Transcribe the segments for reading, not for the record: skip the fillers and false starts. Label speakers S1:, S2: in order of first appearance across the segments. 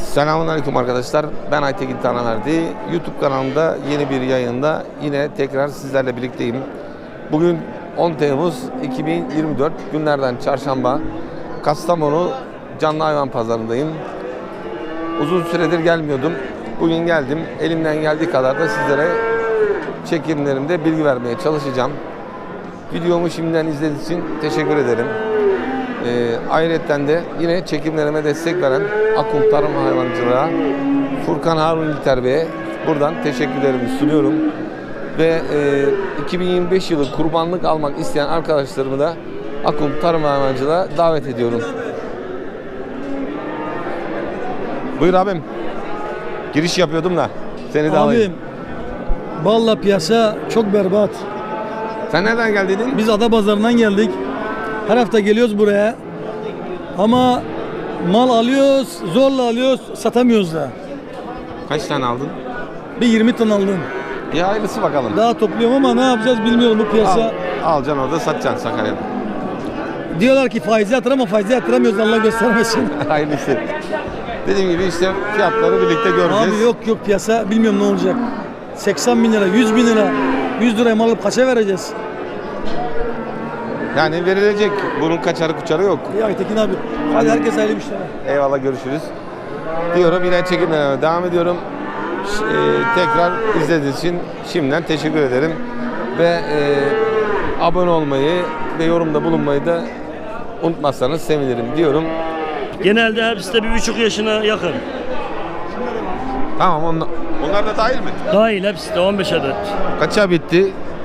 S1: Selamünaleyküm arkadaşlar. Ben Aytekin Tanaverdi. YouTube kanalımda yeni bir yayında yine tekrar sizlerle birlikteyim. Bugün 10 Temmuz 2024 günlerden çarşamba. Kastamonu Canlı Hayvan Pazarındayım. Uzun süredir gelmiyordum. Bugün geldim. Elimden geldiği kadar da sizlere çekimlerimde bilgi vermeye çalışacağım. Videomu şimdiden izlediğiniz için teşekkür ederim. Ayrıca de yine çekimlerime destek veren Akum Tarım Hayvancılığa Furkan Harun İlter Bey'e buradan teşekkürlerimi sunuyorum. Ve 2025 yılı kurbanlık almak isteyen arkadaşlarımı da Akum Tarım Hayvancılığına davet ediyorum. Buyur abim. Giriş yapıyordum da seni de alayım.
S2: Vallahi piyasa çok berbat.
S1: Sen nereden geldin?
S2: Biz Adapazarı'ndan geldik. Her hafta geliyoruz buraya. Ama mal alıyoruz, zorla alıyoruz, satamıyoruz da.
S1: Kaç tane aldın?
S2: Bir 20 ton aldım.
S1: Bir hayırlısı bakalım.
S2: Daha topluyorum ama ne yapacağız bilmiyorum bu piyasa.
S1: Alacaksın orada satacaksın Sakarya'da.
S2: Diyorlar ki faizi yatır ama faizi yatıramıyoruz, Allah göstermesin.
S1: Hayırlısı. Dediğim gibi işte fiyatları birlikte göreceğiz.
S2: Abi yok piyasa bilmiyorum ne olacak. 80 bin lira, 100 bin lira. 100 liraya mal alıp kaça vereceğiz?
S1: Yani verilecek. Bunun kaçarı kuçarı yok.
S2: Ya Aytekin abi. Hadi herkes hayırlı işler.
S1: Eyvallah, görüşürüz. Diyorum, yine çekimlerime devam ediyorum. Tekrar izlediğiniz için şimdiden teşekkür ederim. Ve abone olmayı ve yorumda bulunmayı da unutmazsanız sevinirim diyorum.
S3: Genelde hepsi de 1,5 yaşına yakın.
S1: Tamam, onlar da dahil mi?
S3: Dahil hepsi de 15 adet.
S1: Kaça bitti?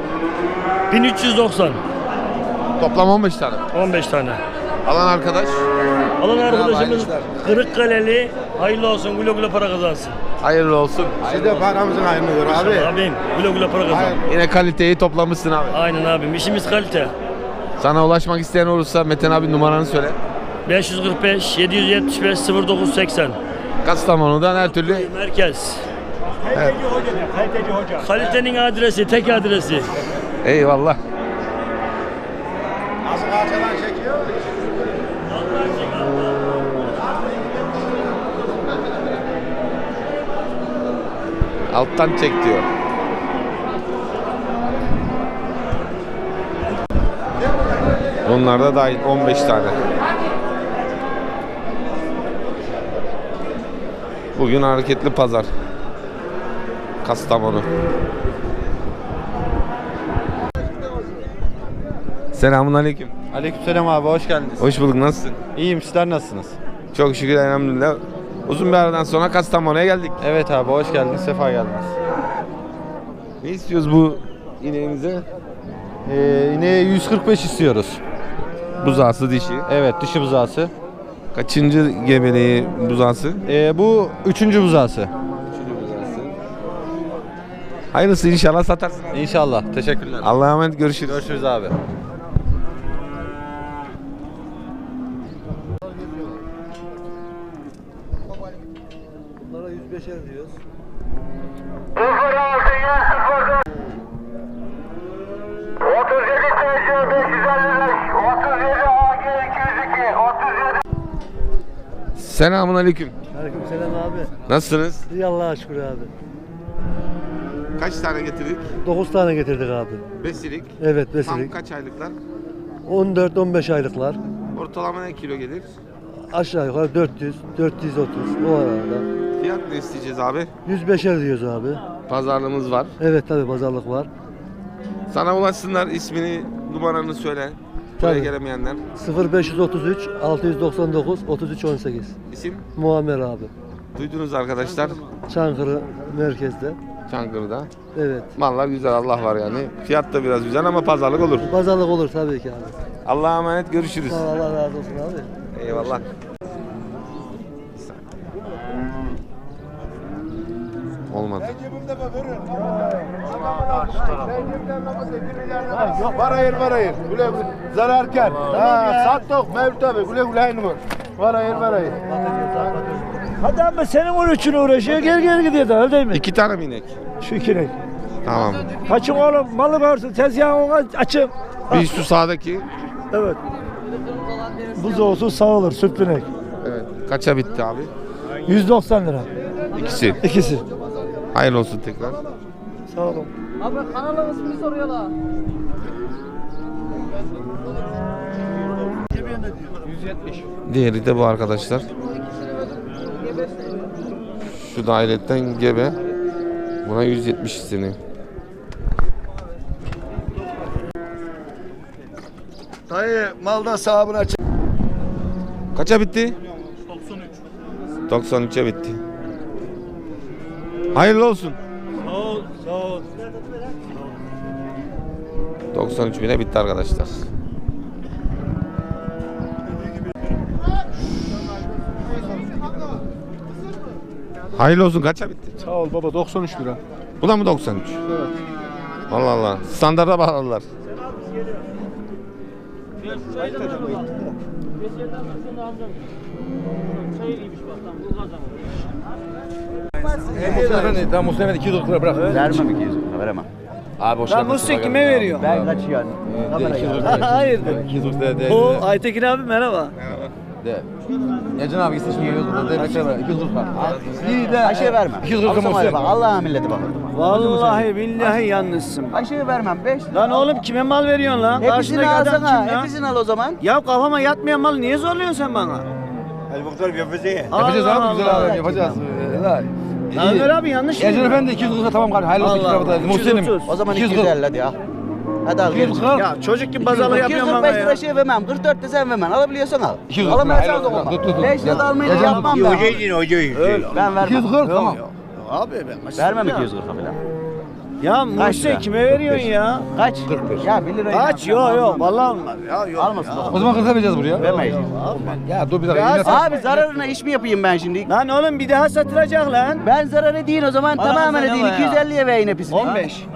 S3: 1390.
S1: Toplam 15 tane.
S3: 15 tane.
S1: Alan arkadaş.
S3: Alan arkadaşımız Kırıkkaleli, hayırlı olsun, güle güle para kazansın.
S1: Hayırlı olsun.
S4: Siz de paramızın hayrını gör abi.
S3: Abim güle güle para kazan.
S1: Yine kaliteyi toplamışsın abi.
S3: Aynen abim, işimiz kalite.
S1: Sana ulaşmak isteyen olursa Metin abi numaranı söyle.
S3: 545 775 0980.
S1: Kastamonu'dan her türlü.
S3: Merkez.
S1: Evet.
S3: Kalitenin adresi, tek adresi.
S1: Eyvallah.
S4: Nasıl kaçadan çekiyor?
S1: Alttan çek diyor. Onlar da dahil 15 tane. Bugün hareketli pazar. Kastamonu. Selamünaleyküm.
S4: Aleykümselam abi, hoş geldiniz.
S1: Hoş bulduk. Nasılsın?
S4: İyiyim, sizler nasılsınız?
S1: Çok şükür, elhamdülillah. Uzun bir aradan sonra Kastamonu'ya geldik.
S4: Evet abi, hoş geldiniz, sefa geldiniz.
S1: Ne istiyoruz bu ineğimize?
S4: İneğe 145 istiyoruz.
S1: Buzağısı dişi.
S4: Evet, dişi buzağısı.
S1: Kaçıncı gebeliği buzağısı?
S4: Bu 3. buzağısı.
S1: Hayırlısı, inşallah satarsın.
S4: İnşallah, teşekkürler.
S1: Allah'a emanet, görüşürüz.
S4: Görüşürüz abi.
S2: Bunlara 105'er diyoruz.
S5: 37 TC 555, 37 AG 202, 37.
S1: Selamünaleyküm.
S2: Aleykümselam abi.
S1: Nasılsınız?
S2: İyi Allah'a şükür abi.
S1: Kaç tane getirdik?
S2: 9 tane getirdik abi.
S1: Besilik.
S2: Evet
S1: Tam
S2: besilik.
S1: kaç aylıklar?
S2: 14-15 aylıklar.
S1: Ortalama ne kilo gelir?
S2: Aşağı yukarı 400, 430 o arada.
S1: Fiyat ne isteyeceğiz abi?
S2: 105'er diyoruz abi.
S1: Pazarlığımız var.
S2: Evet tabi pazarlık var.
S1: Sana ulaşsınlar, ismini, numaranı söyle. Buraya
S2: Tabii.
S1: gelemeyenler.
S2: 0533 699 33 18.
S1: İsim?
S2: Muammer abi.
S1: Duydunuz arkadaşlar.
S2: Çankırı merkezde.
S1: Çankırı'da.
S2: Evet.
S1: Mallar güzel, Allah var yani. Fiyat da biraz güzel ama pazarlık olur.
S2: Pazarlık olur tabii ki abi.
S1: Allah'a emanet, görüşürüz.
S2: Sağ ol, Allah razı olsun abi.
S1: Eyvallah. Olmadı.
S4: Var hayır. Güle güle. Zararkar. Sattık Mevlüt abi. Güle güle aynı var. Var hayır.
S6: Hadi ama senin onun için uğraşıyor, geri gidiyor da öyle değil mi?
S1: 2 tane mi inek?
S6: Şu ikinek.
S1: Tamam.
S6: Kaçın oğlum, malı varsın, tezgahın ona açım.
S1: Bir şu sağdaki.
S6: Evet. Buzdolabı sağ olur, süt binek.
S1: Evet. Kaça bitti abi?
S6: 190 lira.
S1: İkisi.
S6: İkisi.
S1: Hayırlı olsun tekrar.
S6: Sağ olun.
S7: Abi kanalın ismini soruyorlar.
S1: Diğeri de bu arkadaşlar. Şu dairetten gebe. Buna 170 isteniyor.
S4: Dayı malda sahabına
S1: Kaça bitti? 93. 93'e bitti. Hayırlı olsun.
S6: Sağ ol, sağ ol.
S1: 93 bine bitti arkadaşlar. Hayırlı olsun, kaça bitti?
S4: Sağ ol baba 93 lira.
S1: Bu da mı 93?
S4: Evet.
S1: Allah Allah. Standarda bağladılar.
S2: Tamam Mustafa 200 lira bırak.
S8: Vermem 200 lira, veremem.
S2: Abi hoş
S6: Ben Mustafa kime veriyorum?
S8: Ben kaçıyorum.
S6: Hayırdır?
S2: 200 lira de.
S6: O Aytekin abi merhaba.
S2: Necen abi gitsin şimdi 200 lira de. 200 lira.
S8: İyi de. Ayşe'ye vermem.
S2: 200 lira
S8: Alsam
S2: Mustafa.
S8: hadi bak, Allah'ın milleti bak.
S6: Vallahi billahi yanlışsın.
S8: Ayşe'ye vermem 5 lira.
S6: Lan oğlum kime mal veriyorsun lan?
S8: Hepsini
S6: Karşındaki adam kim
S8: alsana.
S6: lan?
S8: Hepsini al o zaman.
S6: Ya kafama yatmayan mal niye zorluyorsun sen bana?
S2: Yapacağız abi güzel abi yapacağız.
S6: Ömer abi yanlış mı?
S2: Ercan Efendi 200 lira tamam kardeşim. Hayırlı olsun.
S6: Allah
S2: Mustafa.
S6: Allah.
S2: Muhsin'im.
S6: 230.
S8: O zaman
S2: 240.
S8: 250 hadi al. Hadi al.
S2: 240.
S6: Ya çocuk gibi pazarlık yapıyorsun bana
S8: 245 lira
S6: ya.
S8: şey vermem. 44 de sen vermem. Alabiliyorsan al.
S2: 200
S8: Alamıyorsan
S2: lira.
S8: da olmaz.
S2: Tut.
S8: 5 lira da almayı da
S2: Ercan
S8: yapmam ben. Ben vermem.
S2: 240 tamam.
S6: Abi ben
S8: Vermem 200 lira falan.
S6: Ya
S8: Kaç
S6: Muhsin
S8: lira?
S6: kime veriyorsun ya?
S8: Kaç? 45. Ya 1 lirayı.
S6: Kaç? Yok vallahi olmaz. Ya yok.
S8: Almasın.
S2: O zaman 40 vereceğiz buraya.
S8: Vermeyiz.
S2: Ya dur bir dakika. Yine
S8: Abi zararına iş mi yapayım ben şimdi?
S6: Lan oğlum bir daha satılacak lan.
S8: Ben zarar edeyim o zaman
S6: Bana
S8: tamamen
S6: sen
S8: edeyim.
S6: ama ya.
S8: 250'ye vereyim hepsini.
S6: 15.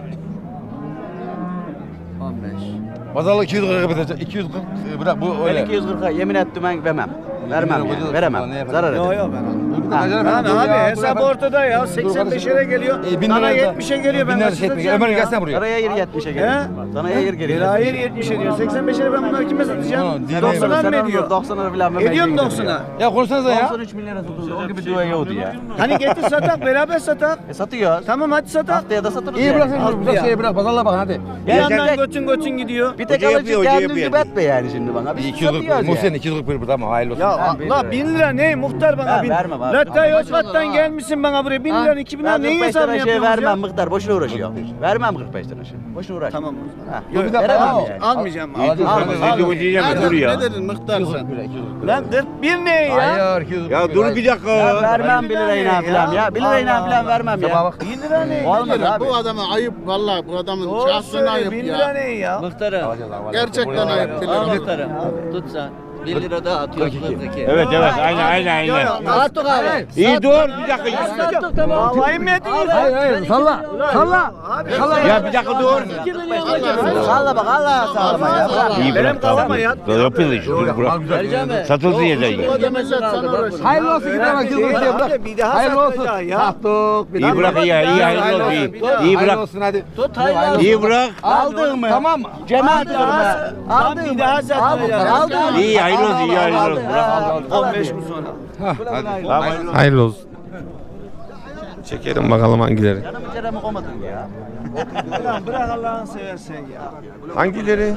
S2: Pazarlık 200 lira kapatacak. 240 bırak bu
S8: Ben
S2: öyle.
S8: 240'a yemin ettim ben vermem. Vermem
S2: lira
S8: yani,
S2: koyacağız.
S8: veremem.
S2: Ne yapalım?
S8: Zarar
S6: Yok
S8: ederim.
S6: yok ben.
S8: Ha.
S6: Lan abi hesap ortada ya. 85'lere geliyor.
S2: 1000
S6: Bana
S2: lira
S6: 70'e geliyor. Ben nasıl satacağım
S2: Ömer
S6: ya?
S2: gelsene buraya.
S8: Saraya yer 70'e
S6: He?
S8: gelir. Sana yer geri.
S6: Bir hayır 70'e diyor. 85'e ben bunları kime satacağım?
S2: Diğer
S6: 90'a mı ediyor?
S8: 90'a falan vermem.
S6: Ediyor mu 90'a?
S2: Ya konuşsanıza ya.
S8: 93 milyara satıldı. O gibi dua yoktu ya.
S6: Hani getir satak beraber satak.
S8: Satıyoruz.
S6: Tamam hadi satak.
S8: Haftaya da satırız
S2: İyi
S8: yani.
S2: bırak sen bırak şeyi bırak pazarlığa bak hadi.
S6: Bir yandan götün gidiyor.
S8: Bir tek alıcı kendin gibi etme yani şimdi bana. Biz
S2: 240
S8: satıyoruz
S2: Muhsin
S8: yani.
S2: 240 bir tamam hayırlı olsun.
S6: Ya
S8: Ha, 1
S6: la
S8: lira.
S6: 1000 lira ne muhtar bana
S8: Ha,
S6: 1000.
S8: vermem abi.
S6: Latta Yozgat'tan gelmişsin bana buraya 1000 lira 2000 lira
S8: Ben
S6: neyin
S8: 45
S6: hesabını
S8: lira şey
S6: yapıyorsunuz
S8: vermem
S6: ya?
S8: Mıktar boşuna uğraşıyor. Vermem 45 lira şey. Boşuna uğraş.
S6: Tamam.
S8: Ha.
S6: Yok,
S8: Yok, veremem yani.
S6: Almayacağım.
S4: Ne dedin Mıhtar sen?
S6: Lan 41 ne ya?
S2: Hayır 240. Ya dur bir dakika.
S8: Ya vermem 1
S6: lira
S8: lirayla
S6: ya.
S8: falan ya. 1 lirayla
S6: Allah
S8: falan vermem ya.
S2: bak.
S6: 1000 lira ne?
S8: Olmaz abi.
S4: Bu adama ayıp vallahi bu adamın
S6: Doğru
S4: şahsına
S6: söyle
S4: ayıp
S6: 1000 lira
S4: ya.
S6: ne ya?
S7: Muhtarım.
S4: Gerçekten ayıp.
S7: Al muhtarım. Tut sen. 1 lira daha atıyor 42.
S3: Evet aynen.
S7: Attık abi.
S3: İyi dur bir dakika.
S7: Sattık tamam.
S6: Havayı mı yediniz?
S2: Hayır salla. Salla.
S3: Ya bir dakika dur.
S8: Salla bak Allah sağlama ya. Bırak.
S3: İyi
S6: Benim
S3: bırak
S6: kafama
S3: tamam.
S6: yat.
S3: Yapıyoruz işte dur bırak.
S7: Vereceğim mi?
S3: Satıldı yedeği.
S7: Ödemesini aldı bak bunu.
S2: Hayırlı olsun gidene bak 240 diye bırak.
S6: Bir daha
S2: Hayırlı olsun.
S6: satacak ya.
S2: Sattık.
S3: İyi bırak iyi hayırlı olsun iyi. İyi
S2: Hayırlı
S3: bırak.
S2: olsun hadi.
S7: Tut hayırlı.
S3: İyi bırak.
S8: Aldın mı?
S2: Tamam.
S8: Cemaat
S6: Bir daha
S8: kırma.
S6: Aldın bir daha satacak.
S8: Aldın mı?
S3: İyi hayırlı olsun iyi hayırlı olsun. Bırak.
S6: 15 gün sonra.
S1: Hayırlı olsun. Çekelim bakalım hangileri.
S8: Canımı ceremi koymadın ya.
S6: Lan bırak Allah'ını seversen ya.
S1: Hangileri?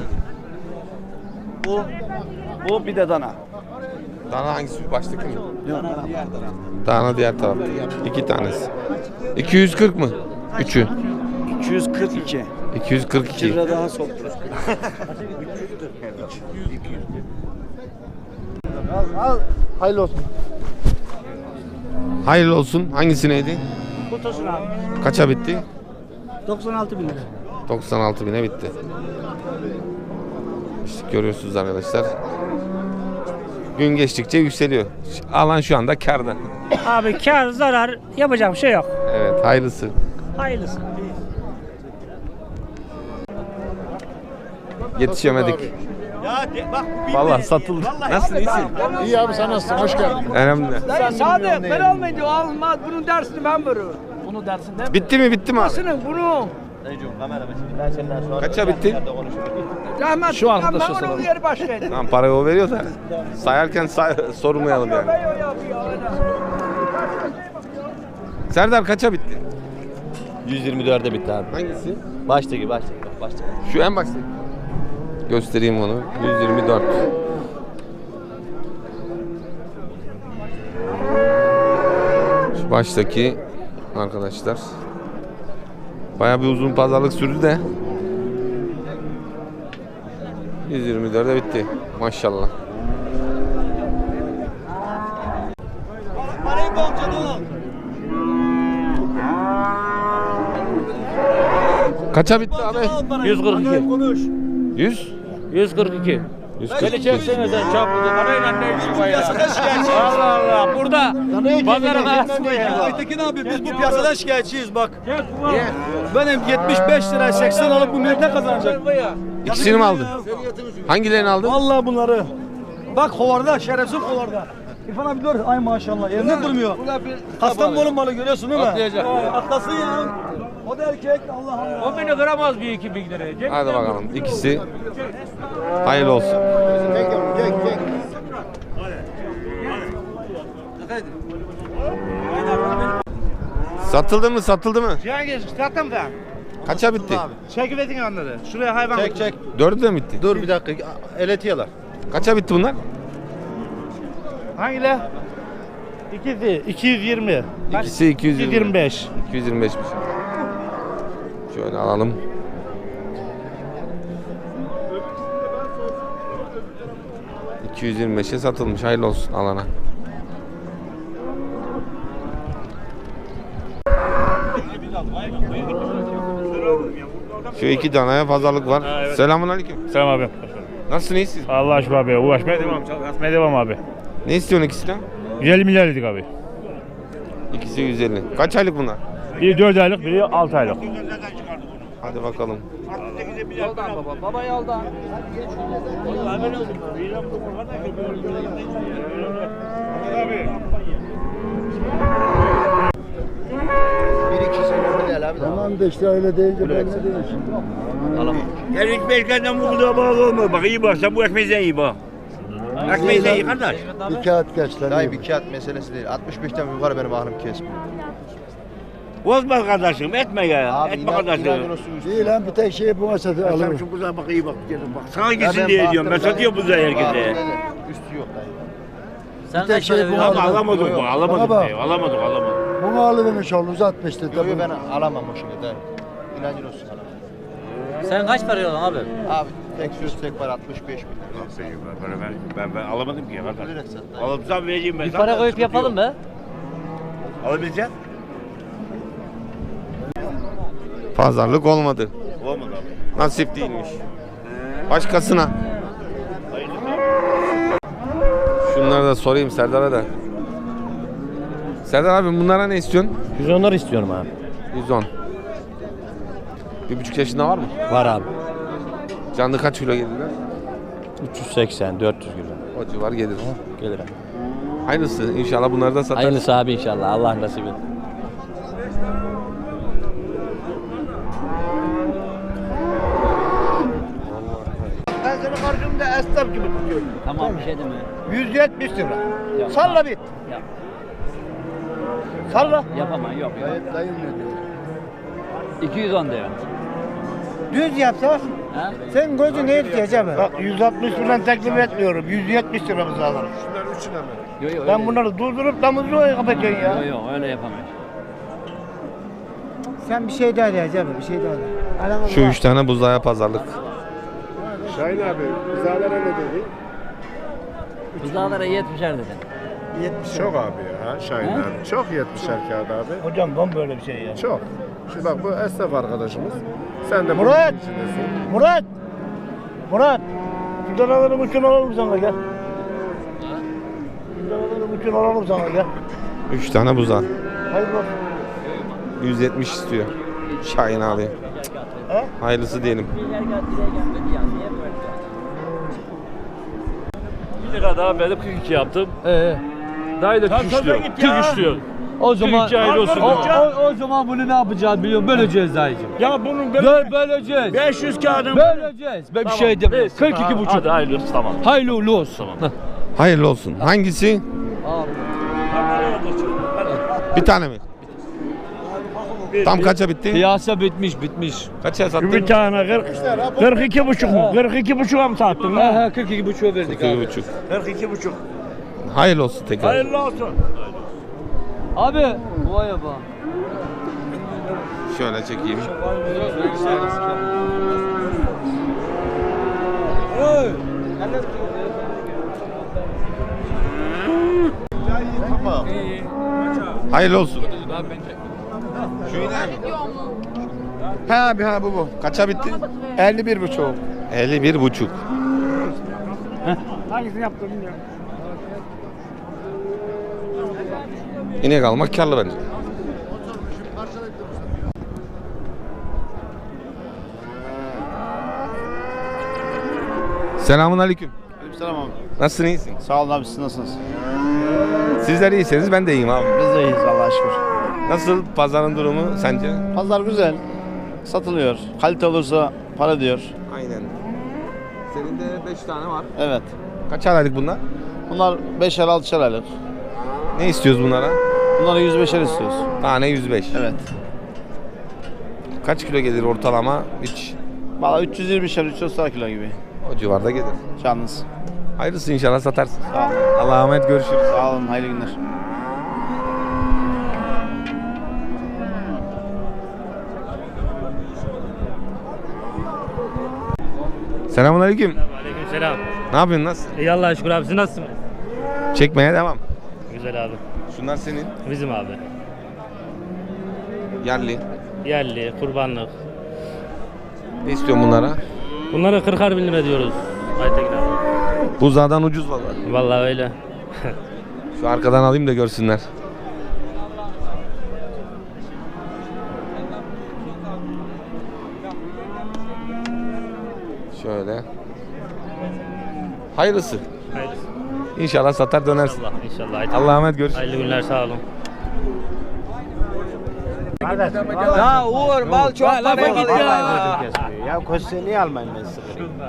S6: Bu bir de dana.
S1: Dana hangisi? Baştaki mi? Dana diğer tarafta. 2 tanesi. 240 mı? Üçü.
S6: 242.
S1: 242.
S6: Lira daha soktu.
S4: Al. Hayırlı olsun.
S1: Hayırlı olsun. Hangisi neydi?
S6: Kutusun abi.
S1: Kaça bitti?
S6: 96 bin lira.
S1: 96 bine bitti. İşte görüyorsunuz arkadaşlar. Gün geçtikçe yükseliyor. Alan şu anda kârda.
S9: Abi kar zarar yapacak bir şey yok.
S1: Evet, hayırlısı.
S9: Hayırlısı.
S1: Yetişemedik. Vallahi satıldı. Nasılsın, iyisin?
S4: İyi abi sen nasılsın? Hoş geldin.
S1: Önemli.
S9: Sadık ben almayınca almaz. Bunun dersini ben veririm. Bunu dersinde mi?
S1: Bitti mi? Bitti mi abi?
S9: Bunu.
S1: Kaça bitti?
S9: Rahmet. Şu anda ben onun yeri başlayayım.
S1: Tamam, parayı o veriyor da sayarken sormayalım yani. Serdar kaça bitti?
S10: 124'e bitti abi.
S1: Hangisi?
S10: Baştaki.
S1: Şu en başta. Göstereyim onu. 124. Şu baştaki arkadaşlar. Bayağı bir uzun pazarlık sürdü de. 124'e bitti. Maşallah. Kaça bitti abi?
S3: 142.
S1: 100?
S3: 142.
S1: 142.
S3: Çeksene sen çarpıldı. Parayla ne işin var ya? Allah Allah. Burada. Pazara da.
S2: Aytekin abi biz bu piyasadan şikayetçiyiz bak. Benim 75 lira 80 alıp bu millet ne kazanacak?
S1: İkisini mi aldın? Hangilerini aldın?
S2: Vallahi bunları. Bak hovarda, şerefsiz hovarda. İrfan abi dur. Ay maşallah yerinde durmuyor. Kastamonu malı görüyorsun değil mi?
S3: Atlayacak.
S2: Atlasın ya. O da erkek Allah Allah.
S3: 10 bini kıramaz bir 2000 liraya.
S1: Hadi bakalım. İkisi hayırlı olsun. Satıldı mı? Satıldı mı?
S4: Cengiz sattım da.
S1: Kaça bitti?
S4: Çekivedin onları. Şuraya hayvan.
S10: Çek.
S1: Dördü de mi bitti?
S10: Dur bir dakika. Eletiyorlar.
S1: Kaça bitti bunlar?
S4: Hangileri? İkisi 220.
S1: İkisi 220.
S4: 225.
S1: 225'miş. Şöyle alalım. ...225'e satılmış. Hayırlı olsun alana. Şu iki danaya pazarlık var. Selamünaleyküm.
S3: Selam abi.
S1: Nasılsın, iyisin?
S3: Allah aşkına abi. Uğraşmaya devam. Çalışmaya devam abi.
S1: Ne istiyorsun ikisinden?
S3: 150 milyar dedik abi.
S1: İkisi 150. Kaç aylık bunlar?
S3: Biri 4 aylık, biri 6 aylık.
S1: Hadi bakalım.
S9: Yoldan baba. Baba yoldan.
S6: Tamam da işte öyle deyince ben ne diyeyim şimdi?
S3: Her ekmeğinden bu da bağlı olma. Bak iyi bak, sen bu ekmeğinden iyi bak. Ekmeğinden iyi kardeş.
S6: Bir kağıt geç lan.
S10: Dayı bir kağıt meselesi değil. 65'ten yukarı benim aklım kesmiyor.
S3: Bozma kardeşim, etme ya. Etme kardeşim.
S6: İyi lan bir tek şey bu masada
S3: Sen
S6: alırım.
S3: şu buzağa bak, iyi bak. Bak sana gitsin diye diyorum. Ben satıyorum buzağı herkese.
S10: Üstü yok dayı.
S7: Sen
S6: Bir tek
S7: kaç
S6: şey
S7: para
S6: bu
S7: veriyorsun?
S3: Ama alamadık bu,
S6: Bana
S3: alamadık.
S6: bak.
S3: Alamadık.
S6: Bunu alıvermiş oğlum uzatmıştı.
S10: Yok ben alamam o şimdi dayı. İnancın olsun alamam.
S7: Sen kaç para veriyorsun abi?
S10: Abi tek söz tek var 65 bin.
S3: Ben alamadım ki kardeş.
S10: Bilerek sat dayı.
S3: Alırsam vereceğim ben.
S7: Bir para koyup yapalım mı?
S3: Alabilecek?
S1: Pazarlık olmadı.
S3: Olmadı abi.
S1: Nasip değilmiş. Başkasına. Şunları da sorayım Serdar'a da. Serdar abi bunlara ne istiyorsun?
S10: 110'lar istiyorum abi.
S1: 110. 1,5 yaşında var mı?
S10: Var abi.
S1: Canlı kaç kilo gelirler?
S10: 380 400 kilo.
S1: O civar gelir.
S10: Gelir abi.
S1: Aynısı. İnşallah bunları da satarız.
S10: Hayırlısı abi inşallah. Allah nasip etsin.
S4: Ben seni karşımda esnaf gibi tutuyorum.
S7: Tamam bir şey deme.
S4: 170 lira.
S7: Ya.
S4: Salla bit.
S7: Ya.
S4: Salla.
S7: Yapamam yok.
S6: Dayım ne diyor?
S7: 210 diyor.
S4: Düz yapsa
S7: Ha?
S4: sen gözü ne yetecek abi? Bak 160 liradan teklif etmiyorum. 170 lira bize alırım.
S7: Yok yok.
S4: Ben bunları durdurup damızı kapatacaksın ya.
S7: Yok yok öyle yapamayız.
S4: Sen bir şey daha diyeceksin abi, bir şey daha de.
S1: Şu 3 tane buzdaya pazarlık.
S4: Şahin abi, bizalara ne dedi?
S7: Buzağlara 70'er dedin.
S4: 70
S11: Çok abi ya Şahin abi. Çok 70'er kağıt abi.
S4: Hocam ben böyle bir şey ya.
S11: Çok. Şimdi bak bu esnaf arkadaşımız. Sen de
S4: Murat!
S11: bunun içindesin.
S4: Murat! Murat! Şuradan alalım uçun alalım sana gel. Şuradan alalım uçun alalım sana gel.
S1: 3 tane buza.
S4: Hayırlı olsun.
S1: 170 istiyor. Şahin abi.
S4: He?
S1: Hayırlısı diyelim.
S3: 1 lira daha verip 42 yaptım. Dayı da 43 diyor. 43 diyor.
S2: O zaman
S3: 42 hayırlı olsun.
S2: o zaman bunu ne yapacağız biliyorum. Böleceğiz dayıcım.
S3: Ya bunun
S2: Böleceğiz.
S3: 500 kağıdın.
S2: Böleceğiz. Ben bir şey demiyorum. 42,5.
S3: Hadi hayırlı olsun tamam.
S2: Hayırlı uğurlu olsun.
S1: Hayırlı olsun. Hangisi? Bir tane mi? Tam kaça bitti?
S6: Piyasa bitmiş.
S1: Kaça sattın?
S6: Bir tane 42 buçuk mu? 42 buçuğa mı sattın?
S2: Ha 42 buçuğa verdik abi.
S1: 2,5.
S6: 42 buçuk.
S1: Hayırlı olsun tekrar.
S6: Hayırlı olsun.
S2: Abi vay be.
S1: Şöyle çekeyim. Hayırlı olsun. Şu iner mi?
S11: Ha abi ha bu.
S1: Kaça bitti?
S11: 51,5.
S1: 51,5.
S6: Hangisini yaptın bilmiyorum.
S1: İnek almak karlı bence. Selamun aleyküm.
S4: Selam abi.
S1: Nasılsın, iyisin?
S4: Sağ olun abi, siz nasılsınız?
S1: Sizler iyiyseniz ben de iyiyim abi.
S4: Biz de iyiyiz Allah'a şükür.
S1: Nasıl pazarın durumu sence?
S4: Pazar güzel. Satılıyor. Kalite olursa para diyor.
S1: Aynen. Senin de 5 tane var.
S4: Evet.
S1: Kaç aylık bunlar?
S4: Bunlar 5'er 6'şer aylık.
S1: Ne istiyoruz bunlara?
S4: Bunları 105'er istiyoruz.
S1: Tane 105.
S4: Evet.
S1: Kaç kilo gelir ortalama? Hiç
S4: Valla 320'şer 330 kilo gibi.
S1: o civarda gelir.
S4: Canınız.
S1: Hayırlısı inşallah satarsın.
S4: Sağ olun.
S1: Allah'a emanet, görüşürüz.
S4: Sağ olun. Hayırlı günler.
S1: Selamun aleyküm.
S6: Aleykümselam.
S1: Ne yapıyorsun, nasıl?
S6: İyi Allah'a şükür abi, siz nasılsınız?
S1: Çekmeye devam.
S6: Güzel abi.
S1: Şunlar senin.
S6: Bizim abi.
S1: Yerli.
S6: Yerli, kurbanlık.
S1: Ne istiyorsun bunlara?
S6: Bunlara 40'ar bin lira diyoruz. Aytekin abi.
S1: Buzağdan ucuz vallahi.
S6: Vallahi öyle.
S1: Şu arkadan alayım da görsünler. Şöyle. Hayırlısı.
S6: Hayırlısı.
S1: İnşallah satar dönersin.
S6: İnşallah. İnşallah. Aytekin.
S1: Allah'a emanet, görüşürüz.
S6: Hayırlı günler, sağ olun.
S7: Ya Uğur mal çok para git ya.
S8: Ya koşu niye almayın ben size?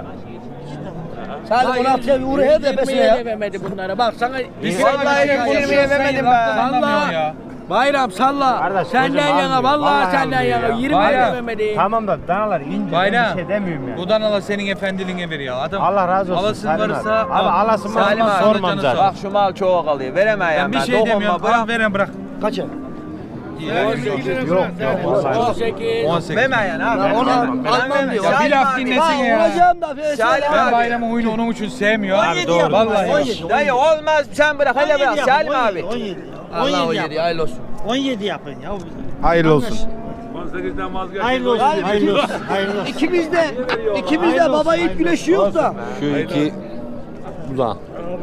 S9: Sen 16'ya bir uğraya tepesine ya. Vermedi bunlara. Bak sana
S7: Vallahi 20'ye vermedim ben.
S9: salla. Bayram salla. Senden yana vallahi senden yana 20'ye vermedi.
S8: Tamam da danalar ince, ben bir şey demiyorum ya.
S2: Bu danalar senin efendiliğine veriyor adam.
S8: Allah razı olsun.
S2: Alasın
S8: Salim
S2: varsa
S8: abi. Abi alasın
S7: Salim
S8: varsa
S7: abi,
S8: sormam
S2: canı
S8: zaten.
S7: Bak şu mal çok alıyor. Veremem
S2: Ben bir şey demiyorum. Al veren bırak.
S8: Kaça?
S9: 18.
S8: Yok.
S9: 18.
S7: Verme yani abi.
S9: Onu almam diyor.
S2: Ya bir laf dinlesin ya.
S9: Olacağım da
S7: Salim
S2: Ben
S7: abi.
S2: bayramın oyunu onun için sevmiyor.
S8: Abi doğru.
S2: Vallahi.
S7: Dayı olmaz, sen bırak, hele bırak Salim abi.
S8: 17.
S9: Allah o yeri hayırlı olsun.
S8: 17 yapın ya.
S1: Hayırlı olsun.
S8: Hayırlı olsun. Hayırlı olsun. Hayırlı olsun.
S9: İkimizde baba ilk güneşi yok da.
S1: Şu iki buzağı.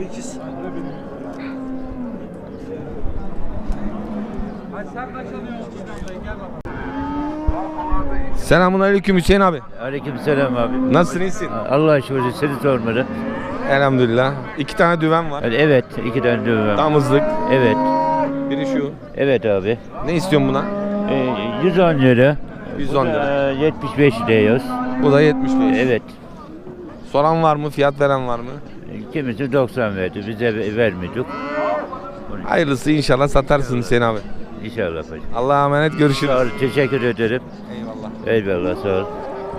S1: Selamun aleyküm Hüseyin abi.
S8: Aleykümselam abi.
S1: Nasılsın, iyisin?
S8: Allah'a şükür seni sormadı.
S1: Elhamdülillah. 2 tane düven var.
S8: Evet, 2 tane düğme.
S1: Damızlık.
S8: Evet.
S1: Biri şu.
S8: Evet abi.
S1: Ne istiyorsun buna?
S8: 110 lira.
S1: 110 lira.
S8: 75 diyoruz.
S1: Bu da 75.
S8: Evet.
S1: Soran var mı? Fiyat veren var mı?
S8: Kimisi 90 verdi. Bize vermiyorduk.
S1: Hayırlısı inşallah satarsın Hüseyin abi.
S8: İnşallah hocam.
S1: Allah'a emanet, görüşürüz.
S8: Sağ ol, teşekkür ederim.
S1: Eyvallah.
S8: Eyvallah, sağ ol.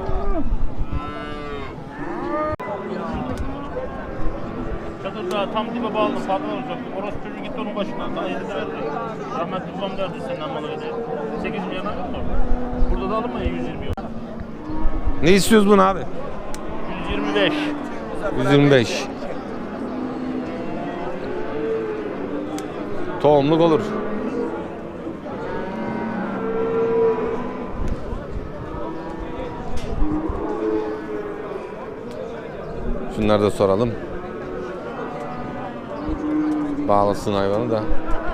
S6: Çadırda tam dibe bağlı, pardon olacak. Orası çocuğu gitti onun başına. Daha yedi de verdi. Rahmetli babam derdi senden malı öde. 8 milyona mı? Burada da alınma ya 120 yok.
S1: Ne istiyoruz bunu abi?
S6: 125.
S1: 125. Tohumluk olur. Şunları da soralım. Bağlasın hayvanı da.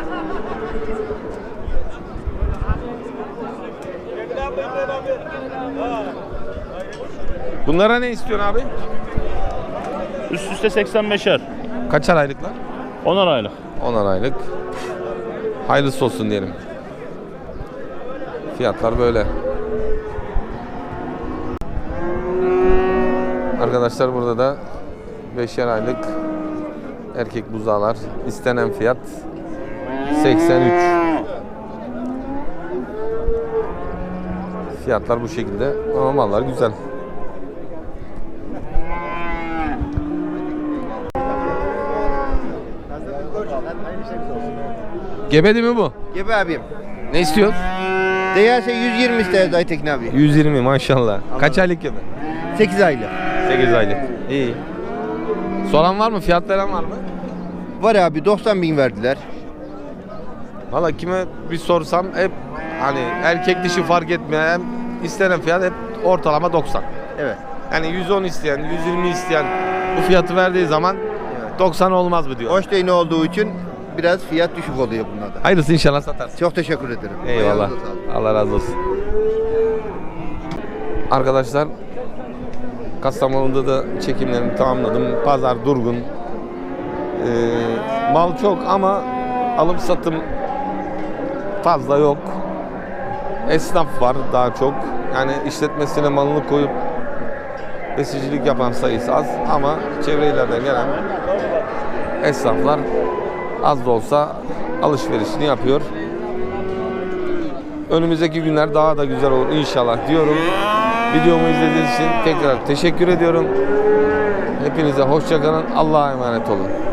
S1: Bunlara ne istiyorsun abi?
S6: Üst üste 85'er.
S1: Kaçar aylıklar?
S6: 10'ar aylık.
S1: 10'ar aylık. Hayırlısı olsun diyelim. Fiyatlar böyle. Arkadaşlar burada da 5'er aylık erkek buzağlar. İstenen fiyat 83. Fiyatlar bu şekilde ama mallar güzel. Gebedi mi bu?
S12: Gebe abim.
S1: Ne istiyorsun?
S12: Değerse 120 isteyiz Aytekin abi.
S1: 120 maşallah. Kaç aylık gebe?
S12: 8 aylık.
S1: 8 aylık. İyi. Soran var mı? Fiyat veren var mı?
S12: Var abi 90 bin verdiler.
S1: Valla kime bir sorsam hep hani erkek dişi fark etmeyen istenen fiyat hep ortalama 90.
S12: Evet.
S1: Yani 110 isteyen, 120 isteyen bu fiyatı verdiği zaman 90 olmaz mı diyor.
S12: Hoş değin olduğu için biraz fiyat düşük oluyor bunlarda.
S1: Hayırlısı inşallah satarsın.
S12: Çok teşekkür ederim.
S1: Eyvallah.
S12: Ayağınıza sağlık.
S1: Allah razı olsun. Arkadaşlar Kastamonu'da da çekimlerimi tamamladım. Pazar durgun. Mal çok ama alım satım fazla yok. Esnaf var daha çok. Yani işletmesine malını koyup besicilik yapan sayısı az ama çevre illerden gelen esnaflar az da olsa alışverişini yapıyor. Önümüzdeki günler daha da güzel olur inşallah diyorum. Videomu izlediğiniz için tekrar teşekkür ediyorum. Hepinize hoşça kalın. Allah'a emanet olun.